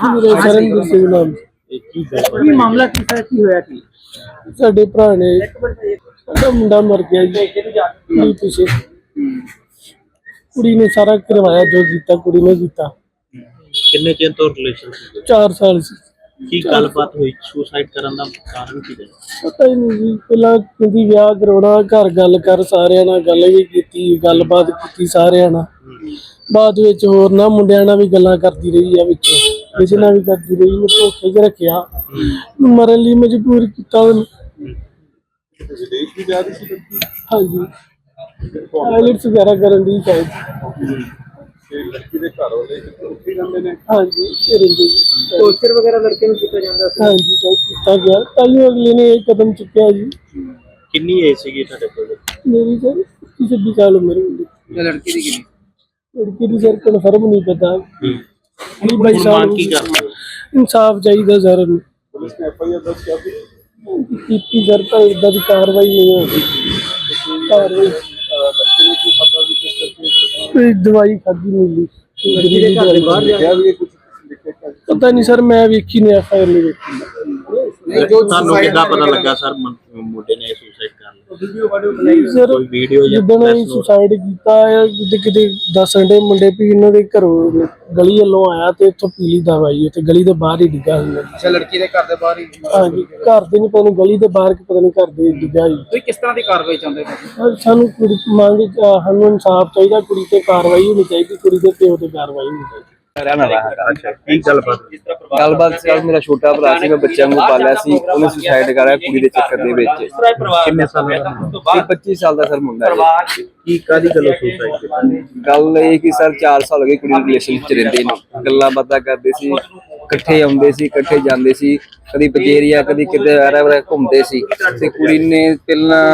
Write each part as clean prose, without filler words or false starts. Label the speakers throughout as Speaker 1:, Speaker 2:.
Speaker 1: मेरा शरणवीर सिंह नाम
Speaker 2: ਕੀ ਮਾਮਲਾ ਕੀ ਹੈ, ਕੀ ਹੋਇਆ ਕੀ?
Speaker 1: साडे भरा ने साडा मुंडा मर गया जी कुड़ी पिछे कुड़ी ने सारा करवाया जो कीता कुड़ी ने कीता।
Speaker 3: ਕਿੰਨੇ ਚਿਰ ਤੋਂ ਰਿਲੇਸ਼ਨ ਸੀ?
Speaker 1: 4 साल से
Speaker 3: ਕੀ ਗੱਲਬਾਤ ਹੋਈ? ਸੁਸਾਈਡ ਕਰਨ ਦਾ ਕਾਰਨ ਕੀ ਹੈ?
Speaker 1: पता ही नहीं जी पहला कहती ब्याह करवाना घर गल कर सारिਆਂ ਨਾਲ ਗੱਲ भी कीती गलबात कीती सारिਆਂ ਨਾਲ बाद विच होर ना मुंडिਆਂ ਨਾਲ भी गल्लां करदी रही है विच किसी ਨਾਲ भी करदी रही मैं धोखे च रखिया मरन ਲਈ मजबूर कीता ਉਹਨੂੰ।
Speaker 4: विदेश भी जा रही थी
Speaker 1: हाँ जी आइलेट्स वगैरह करन दी शायद
Speaker 4: लड़की के घर वाले उत्थे जांदे ने।
Speaker 1: हाँ जी रिंदी
Speaker 2: ਟੌਰਚਰ ਵਗੈਰਾ ਲੜਕੇ ਨੂੰ ਕੀਤਾ ਜਾਂਦਾ ਸੀ?
Speaker 1: हाँ जी तो किया गया ताइयों अगले ने एक कदम चुकया जी।
Speaker 3: ਕਿੰਨੀ ਏਜ ਸੀਗੀ ਤੁਹਾਡੇ ਕੋਲ?
Speaker 1: मेरी सर 26 साल उम्र होगी।
Speaker 2: ਲੜਕੀ ਦੀ ਕਿੰਨੀ?
Speaker 1: लड़की की सर कन्फर्म नहीं पता नहीं भाई
Speaker 3: ਹੁਣ
Speaker 1: साहब
Speaker 3: ਮੰਗ ਕੀ ਕਰਦੇ ਹੋ?
Speaker 1: इंसाफ चाहिए सर
Speaker 4: पुलिस ने FIR दर्ज किया थी।
Speaker 1: की सर पर इदा की कार्रवाई नहीं होगी कार्रवाई
Speaker 4: लड़के ने क्यों खाता भी किस करके
Speaker 1: कोई दवाई खाधी मिली
Speaker 2: ਲੜਕੀ ਦੇ ਘਰ ਦੇ ਬਾਹਰ ਜਾ
Speaker 4: क्या भी कुछ लिखे का
Speaker 1: पता नहीं सर मैं वेखी नहीं FIR नहीं वेखी
Speaker 2: ਨਹੀਂ ਜੋ
Speaker 3: ਤੁਹਾਨੂੰ ਕਿੱਦਾਂ ਪਤਾ ਲੱਗਾ ਸਰ ਮੁੰਡੇ ਨੇ ਸੁਸਾਈਡ ਕਰ ਲਿਆ?
Speaker 2: ਵੀਡੀਓ ਵਾਡੀਓ ਬਣਾਈ
Speaker 1: सर
Speaker 3: ਕੋਈ ਵੀਡੀਓ ਜਾਂ
Speaker 1: ਜਿੱਦਣ
Speaker 3: press
Speaker 1: ਅਸੀਂ
Speaker 3: note?
Speaker 1: ਸੁਸਾਈਡ ਕੀਤਾ ਹੈ ਕਿਤੇ ਦੱਸਣ ਦੇ ਮੁੰਡੇ ਵੀ ਇਹਨਾਂ ਦੇ ਘਰੋਂ ਗਲੀ ਵੱਲੋਂ ਆਇਆ ਤੇ ਇੱਥੋਂ ਪੀਲੀ ਦਵਾਈ ਉੱਥੇ ਗਲੀ ਦੇ ਬਾਹਰ ਹੀ ਡਿੱਗਾ ਹੁੰਦਾ।
Speaker 2: ਅੱਛਾ ਲੜਕੀ ਦੇ ਘਰ ਦੇ ਬਾਹਰ ਹੀ
Speaker 1: ਹਾਂਜੀ ਘਰ ਦੇ ਨਹੀਂ ਪਤਾ ਨਹੀਂ ਗਲੀ ਦੇ ਬਾਹਰ ਕਿ ਪਤਾ ਨਹੀਂ ਘਰ ਦੇ ਡਿੱਗਾ ਜੀ।
Speaker 2: ਤੁਸੀਂ ਕਿਸ ਤਰ੍ਹਾਂ ਦੀ ਕਾਰਵਾਈ ਚਾਹੁੰਦੇ ਹੋ?
Speaker 1: ਸਾਨੂੰ ਕੁੜੀ ਮੰਗ ਸਾਨੂੰ ਇਨਸਾਫ ਚਾਹੀਦਾ ਕੁੜੀ ਤੇ ਕਾਰਵਾਈ ਹੋਣੀ ਚਾਹੀਦੀ ਕੁੜੀ ਦੇ ਪਿਓ ਤੇ ਕਾਰਵਾਈ ਹੋਣੀ ਚਾਹੀਦੀ।
Speaker 3: ਅੱਛਾ ਕੀ ਗੱਲਬਾਤ?
Speaker 5: ਸਰ ਮੇਰਾ ਛੋਟਾ ਭਰਾ ਸੀ ਮੈਂ ਬੱਚਿਆਂ ਨੂੰ ਪਾਲਿਆ ਸੀ ਉਹਨੇ ਸੁਸਾਈਡ ਕਰਿਆ ਕੁੜੀ ਦੇ ਚੱਕਰ ਦੇ ਵਿੱਚ।
Speaker 3: ਕਿੰਨੇ ਸਾਲ ਦਾ?
Speaker 5: ਇਹ 25 ਸਾਲ ਦਾ ਸਰ ਮੁੰਡਾ ਹੈ।
Speaker 3: ਕੀ ਕਾਦੀ ਗੱਲੋਂ ਸੁਸਾਈਡ ਕੀਤੀ?
Speaker 5: ਗੱਲ ਇਹ ਕਿ ਸਰ 4 ਸਾਲ ਹੋ ਗਏ ਕੁੜੀ ਨੂੰ ਰਿਲੇਸ਼ਨ ਚ ਰਹਿੰਦੇ ਨੇ ਗੱਲਾਂ ਬਾਤਾਂ ਕਰਦੇ ਸੀ ਇਕੱਠੇ ਆਉਂਦੇ ਸੀ ਇਕੱਠੇ ਜਾਂਦੇ ਸੀ ਕਦੀ ਪਜੇਰੀਆ ਕਦੀ ਕਿਤੇ ਆਰਾ ਘੁੰਮਦੇ ਸੀ ਤੇ ਕੁੜੀ ਨੇ ਪਹਿਲਾਂ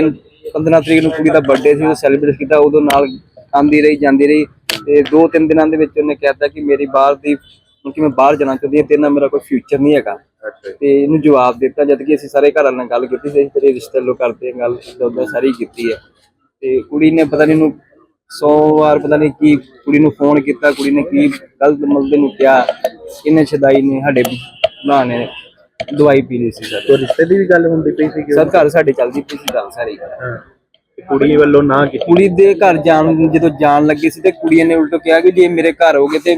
Speaker 5: 15 ਤਰੀਕ ਨੂੰ ਕੁੜੀ ਦਾ ਬਰਥਡੇ ਸੀ ਉਹ ਸੈਲੀਬ੍ਰੇਟ ਕੀਤਾ ਉਦੋਂ ਨਾਲ ਆਉਂਦੀ ਰਹੀ ਜਾਂਦੀ ਰਹੀ ਤੇ 2-3 ਦਿਨਾਂ ਦੇ ਵਿੱਚ ਉਹਨੇ ਕਹਿਤਾ ਕਿ ਮੇਰੀ ਬਾਹਰ ਦੀ ਕਿ ਮੈਂ ਬਾਹਰ ਜਾਣਾ ਚਾਹੁੰਦੀ ਹਾਂ ਤੇਰੇ ਨਾਲ ਮੇਰਾ ਕੋਈ ਫਿਊਚਰ ਨਹੀਂ ਹੈਗਾ ਤੇ ਇਹਨੂੰ ਜਵਾਬ ਦਿੱਤਾ ਜਦ ਕਿ ਅਸੀਂ ਸਾਰੇ ਘਰਾਂ ਨਾਲ ਗੱਲ ਕੀਤੀ ਸੀ ਤੇਰੇ ਰਿਸ਼ਤੇ ਲੋ ਕਰਦੇ ਹਾਂ ਗੱਲ ਉਦਾਂ ਸਾਰੀ ਕੀਤੀ ਹੈ ਤੇ ਕੁੜੀ ਨੇ ਪਤਾ ਨਹੀਂ ਇਹਨੂੰ 100 ਵਾਰ ਪਤਾ ਨਹੀਂ ਕੀ ਕੁੜੀ ਨੂੰ ਫੋਨ ਕੀਤਾ ਕੁੜੀ ਨੇ ਕੀ ਗਲਤ ਮਲਦੇ ਨੂੰ ਕਿਹਾ ਇਹਨੇ ਛਦਾਈ ਨੇ ਸਾਡੇ ਭਰਾ ਨੇ ਦਵਾਈ ਪੀ ਲਈ ਸੀ ਸਰ।
Speaker 3: ਰਿਸ਼ਤੇ ਦੀ ਵੀ ਗੱਲ ਹੁੰਦੀ ਪਈ ਸੀ?
Speaker 5: ਸਰ ਘਰ ਸਾਡੇ ਚੱਲਦੀ ਪਈ ਸੀ ਗੱਲ ਸਾਰੀ
Speaker 3: ਕੁੜੀ ਵੱਲੋਂ ਨਾ ਕੀਤੀ?
Speaker 5: ਕੁੜੀ ਦੇ ਘਰ ਜਦੋਂ ਜਾਣ ਲੱਗੀ ਸੀ ਤੇ ਕੁੜੀਆਂ ਨੇ ਉਲਟ ਕਿਹਾ ਕਿ ਜੇ ਮੇਰੇ ਘਰ ਹੋਗੇ ਤੇ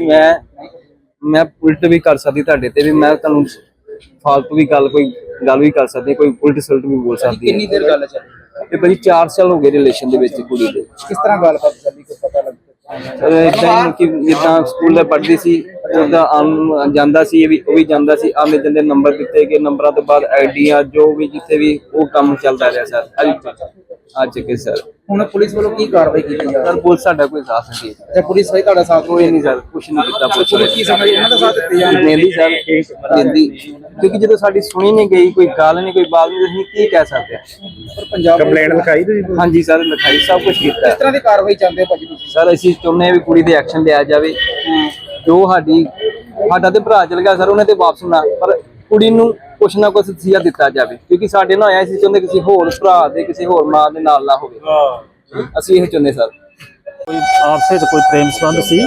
Speaker 5: ਮੈਂ ਉਲਟ ਵੀ ਕਰ ਸਕਦੀ ਤੁਹਾਡੇ ਤੇ ਵੀ ਮੈਂ ਤੁਹਾਨੂੰ ਫਾਲਤੂ ਵੀ ਗੱਲ ਕੋਈ ਗੱਲ ਵੀ ਕਰ ਸਕਦੀ ਕੋਈ ਉਲਟ ਸਲਟ ਵੀ ਬੋਲ ਸਕਦੀ
Speaker 2: ਕਿੰਨੀ ਦੇਰ ਗੱਲ ਚੱਲੀ?
Speaker 5: ਤੇ ਭਾਜੀ 4 ਸਾਲ ਹੋ ਗਏ ਰਿਲੇਸ਼ਨ ਦੇ ਵਿੱਚ ਕੁੜੀ ਦੇ।
Speaker 2: ਕਿਸ ਤਰ੍ਹਾਂ ਗੱਲਬਾਤ ਚੱਲੀ ਕੁਝ ਪਤਾ ਲੱਗਦਾ?
Speaker 5: ਇਦਾਂ ਕਿ ਜਿੱਦਾਂ ਸਕੂਲ ਦੇ ਪੜ੍ਹਦੀ ਸੀ ਉਹਦਾ ਜਾਂਦਾ ਸੀ ਉਹ ਵੀ ਜਾਂਦਾ ਸੀ ਆਉਂਦੇ ਜਾਂਦੇ ਨੰਬਰ ਦਿੱਤੇ ਗਏ ਨੰਬਰਾਂ ਤੋਂ ਬਾਅਦ ਆਈਡੀਆਂ ਜੋ ਵੀ ਜਿੱਥੇ ਵੀ ਉਹ ਕੰਮ ਚੱਲਦਾ ਰਿਹਾ ਸਰ ਅੱਜ ਕੇ ਸਰ।
Speaker 2: ਹੁਣ ਪੁਲਿਸ ਵੱਲੋਂ ਕੀ ਕਾਰਵਾਈ ਕੀਤੀ ਜਾ ਰਹੀ
Speaker 5: ਸਰ ਪੁਲਿਸ ਸਾਡਾ ਕੋਈ ਸਾਥ ਨਹੀਂ ਦੇ
Speaker 2: ਹੈ? ਪੁਲਿਸ ਵੀ ਤੁਹਾਡਾ ਸਾਥ
Speaker 5: ਕੋਈ ਨਹੀਂ ਸਰ ਕੁਛ ਨਹੀਂ ਕੀਤਾ
Speaker 2: ਪੁਲਿਸ ਕੀ ਸਮਝ ਇਹਨਾਂ ਦਾ ਸਾਥ ਦਿੱਤੇ ਜਾ
Speaker 5: ਦਿੰਦੀ ਸਰ ਦਿੰਦੀ ਕਿਉਂਕਿ ਜਦੋਂ ਸਾਡੀ ਸੁਣੀ ਨਹੀਂ ਗਈ ਕੋਈ ਗੱਲ ਨਹੀਂ ਕੋਈ ਬਾਤ ਨਹੀਂ ਅਸੀਂ ਕੀ ਕਹਿ ਸਕਦੇ ਹਾਂ।
Speaker 2: ਪਰ ਪੰਜਾਬ
Speaker 3: ਕੰਪਲੇਂਟ ਲਿਖਾਈ ਤੁਸੀਂ?
Speaker 5: ਹਾਂਜੀ ਸਰ ਲਿਖਾਈ ਸਭ ਕੁਝ ਕੀਤਾ
Speaker 2: ਕਿਸ ਤਰ੍ਹਾਂ ਦੀ ਕਾਰਵਾਈ ਚਾਹੁੰਦੇ ਹੋ ਭਾਜੀ ਤੁਸੀਂ?
Speaker 5: ਸਰ ਅਸੀਂ ਚਾਹੁੰਦੇ ਹਾਂ ਵੀ ਕੁੜੀ ਦੇ ਐਕਸ਼ਨ ਲਿਆ ਜਾਵੇ ਜੋ ਸਾਡਾ ਤੇ ਭਰਾ ਚਲ ਗਿਆ ਸਰ ਉਹਨੇ ਤੇ ਵਾਪਸ ਨਾ ਪਰ ਕੁੜੀ ਨੂੰ ਕੁਛ ਨਾ ਕੁਛ ਸਿਆ ਦਿੱਤਾ ਜਾਵੇ ਕਿਉਂਕਿ ਸਾਡੇ ਨਾਲ ਆਇਆ ਸੀ ਚਾਹੁੰਦੇ ਕਿਸੇ ਹੋਰ ਭਰਾ ਦੇ ਕਿਸੇ ਹੋਰ ਮਾਂ ਦੇ ਨਾਲ ਨਾ ਹੋਵੇ ਅਸੀਂ ਇਹ ਚਾਹੁੰਦੇ ਸਰ।
Speaker 6: ਕੋਈ ਆਪਸ ਵਿੱਚ ਕੋਈ ਪ੍ਰੇਮ ਸੰਬੰਧ ਸੀ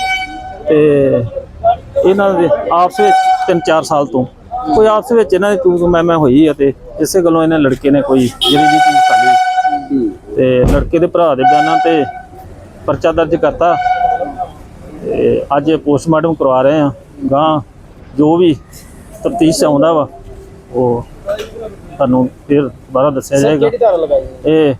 Speaker 6: ਤੇ ਇਹਨਾਂ ਦੇ ਆਪਸ ਵਿੱਚ 3-4 ਸਾਲ ਤੋਂ ਕੋਈ ਆਪਸ ਵਿੱਚ ਇਹਨਾਂ ਦੀ ਤੂੰ ਮੈਂ ਹੋਈ ਅਤੇ ਇਸੇ ਗੱਲੋਂ ਇਹਨਾਂ ਲੜਕੇ ਨੇ ਕੋਈ ਜਿਹੜੀ ਵੀ ਚੀਜ਼ ਕਰ ਲਈ ਤੇ ਲੜਕੇ ਦੇ ਭਰਾ ਦੇ ਬਿਆਨਾਂ ਤੇ ਪਰਚਾ ਦਰਜ ਕਰਤਾ ਤੇ ਅੱਜ ਪੋਸਟਮਾਰਟਮ ਕਰਵਾ ਰਹੇ ਆ ਗਾਂ ਜੋ ਵੀ ਤਫਤੀਸ਼ ਆਉਂਦਾ ਵਾ ਉਹ ਤੁਹਾਨੂੰ ਫਿਰ ਦੁਬਾਰਾ ਦੱਸਿਆ ਜਾਏਗਾ।
Speaker 2: ਕਿਹੜੀ ਧਾਰਾ ਲਗਾਈ
Speaker 6: ਇਹ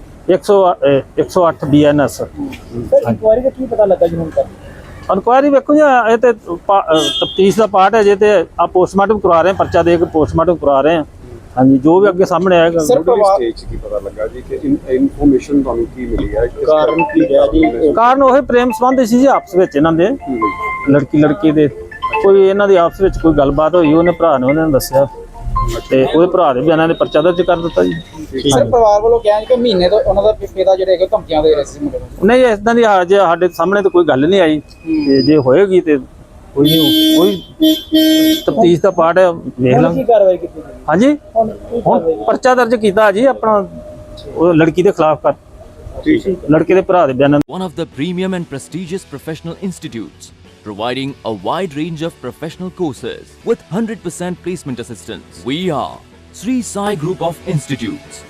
Speaker 6: 108 BNS।
Speaker 2: ਸਰ ਇਨਕੁਆਇਰੀ ਦਾ ਕੀ ਪਤਾ ਲੱਗਾ ਜੀ ਹੁਣ ਤੱਕ?
Speaker 6: ਇਨਕੁਆਇਰੀ ਵੇਖੋ ਜੀ ਇਹ ਤੇ ਤਫਤੀਸ਼ ਦਾ ਪਾਰਟ ਹੈ ਜੇ ਤੇ ਆ ਪੋਸਟਮਾਰਟਮ ਕਰਵਾ ਰਹੇ ਪਰਚਾ ਦੇ ਕੇ ਪੋਸਟਮਾਰਟਮ ਕਰਵਾ ਰਹੇ ਹਾਂ। ਹਾਂਜੀ ਜੋ ਵੀ ਅੱਗੇ ਸਾਹਮਣੇ ਆਏਗਾ।
Speaker 2: ਸਰ
Speaker 4: स्टेज की पता लगा जी कि इन्फॉर्मेशन ਤੁਹਾਨੂੰ ਕੀ ਮਿਲੀ ਹੈ
Speaker 2: ਕਾਰਨ ਕੀ ਰਿਹਾ ਜੀ?
Speaker 6: ਕਾਰਨ ਉਹ ਪ੍ਰੇਮ ਸੰਬੰਧ ਸੀ ਜੀ ਆਪਸ ਵਿੱਚ ਇਹਨਾਂ ਦੇ ਲੜਕੀ ਦੇ ਕੋਈ ਇਹਨਾਂ ਦੀ ਆਪਸ ਵਿੱਚ ਕੋਈ ਗੱਲਬਾਤ ਹੋਈ ਉਹਨੇ ਭਰਾ ਨੇ ਉਹਨਾਂ ਨੂੰ ਦੱਸਿਆ ਤੇ ਉਹਦੇ ਭਰਾ ਦੇ ਬਿਆਨਾਂ ਦੇ ਪਰਚਾ ਦਰਜ ਕਰ ਦਿੱਤਾ ਜੀ।
Speaker 2: ਸਰ ਪਰਿਵਾਰ ਵੱਲੋਂ ਕਿਹਾ ਕਿ ਮਹੀਨੇ ਤੋਂ ਉਹਨਾਂ ਦਾ ਪਿਤਾ ਜਿਹੜੇ ਹੈਗੇ ਧਮਕੀਆਂ ਦੇ ਰਹੇ ਸੀ ਮੁੰਡੇ ਨੂੰ।
Speaker 6: ਨਹੀਂ ਇਦਾਂ ਦੀ ਜੇ ਸਾਡੇ ਸਾਹਮਣੇ ਤਾਂ ਕੋਈ ਗੱਲ ਨਹੀਂ ਆਈ ਤੇ ਜੇ ਹੋਏਗੀ ਤੇ ਕੋਈ ਤਫਤੀਸ਼ ਦਾ ਪਾਰਟ ਹੈ ਵੇਖ ਲਾਂਗੇ
Speaker 2: ਕੀ ਕਾਰਵਾਈ ਕੀਤੀ?
Speaker 6: ਹਾਂਜੀ ਹੁਣ ਪਰਚਾ ਦਰਜ ਕੀਤਾ ਜੀ ਆਪਣਾ ਉਹ ਲੜਕੀ ਦੇ ਖਿਲਾਫ ਕਰ ਲੜਕੇ ਦੇ ਭਰਾ ਦੇ ਬਿਆਨਾਂ।
Speaker 7: One of the premium and prestigious professional institutes providing a wide range of professional courses with 100% placement assistance. We are Sri Sai Group of Institutes.